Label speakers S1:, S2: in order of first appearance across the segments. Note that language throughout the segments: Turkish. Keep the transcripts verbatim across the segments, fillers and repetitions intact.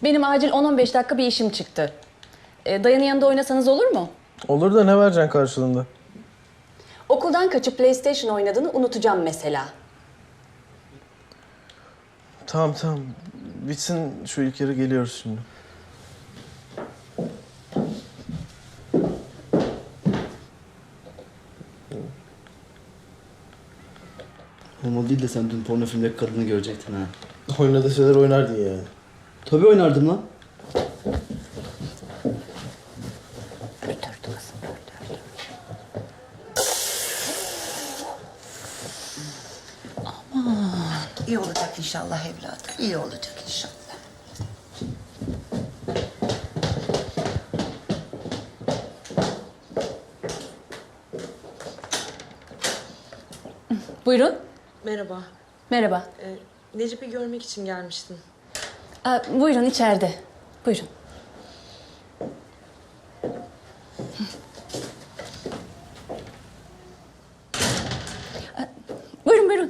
S1: Benim acil on on beş dakika bir işim çıktı. Ee, Dayan'ın yanında oynasanız olur mu?
S2: Olur da ne vereceksin karşılığında?
S1: Okuldan kaçıp PlayStation oynadığını unutacağım mesela.
S2: Tamam tamam. Bitsin şu ilk yarı, geliyoruz şimdi.
S3: Olmalı değil de sen dün porno filmdeki kadını görecektin ha.
S2: Oynadığı şeyler oynardın yani.
S3: Tabii oynardım lan.
S4: İyi olacak inşallah evladım. İyi olacak inşallah.
S1: Buyurun.
S5: Merhaba.
S1: Merhaba.
S5: Ee, Necip'i görmek için gelmiştim.
S1: Aa, buyurun içeride. Buyurun. Aa, buyurun buyurun.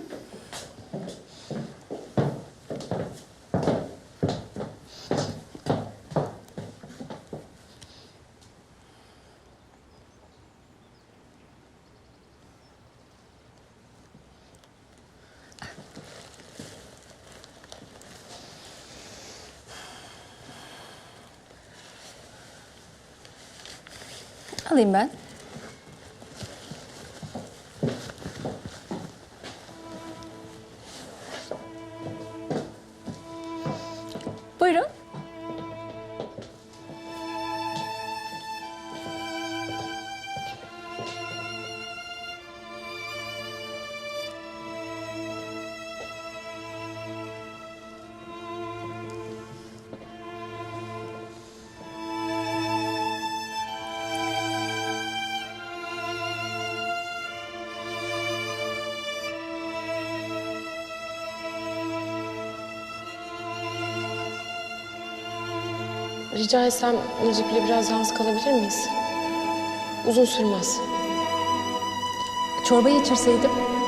S1: Alayım ben. Buyurun.
S5: Rica etsem Necip'le biraz yalnız kalabilir miyiz? Uzun sürmez.
S1: Çorbayı içirseydim.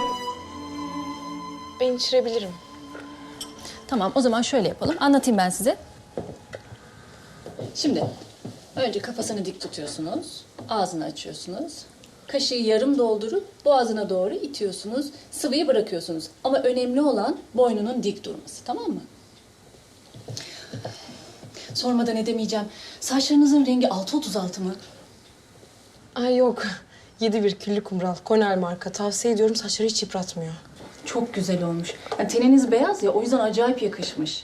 S5: Ben içirebilirim.
S1: Tamam, o zaman şöyle yapalım. Anlatayım ben size. Şimdi önce kafasını dik tutuyorsunuz. Ağzını açıyorsunuz. Kaşığı yarım doldurup boğazına doğru itiyorsunuz. Sıvıyı bırakıyorsunuz. Ama önemli olan boynunun dik durması. Tamam mı? Sormadan edemeyeceğim. Saçlarınızın rengi altı otuz altı mı?
S5: Ay yok. Yedi bir küllü kumral. Cornell marka. Tavsiye ediyorum. Saçları hiç yıpratmıyor.
S1: Çok güzel olmuş. Yani teniniz beyaz ya, o yüzden acayip yakışmış.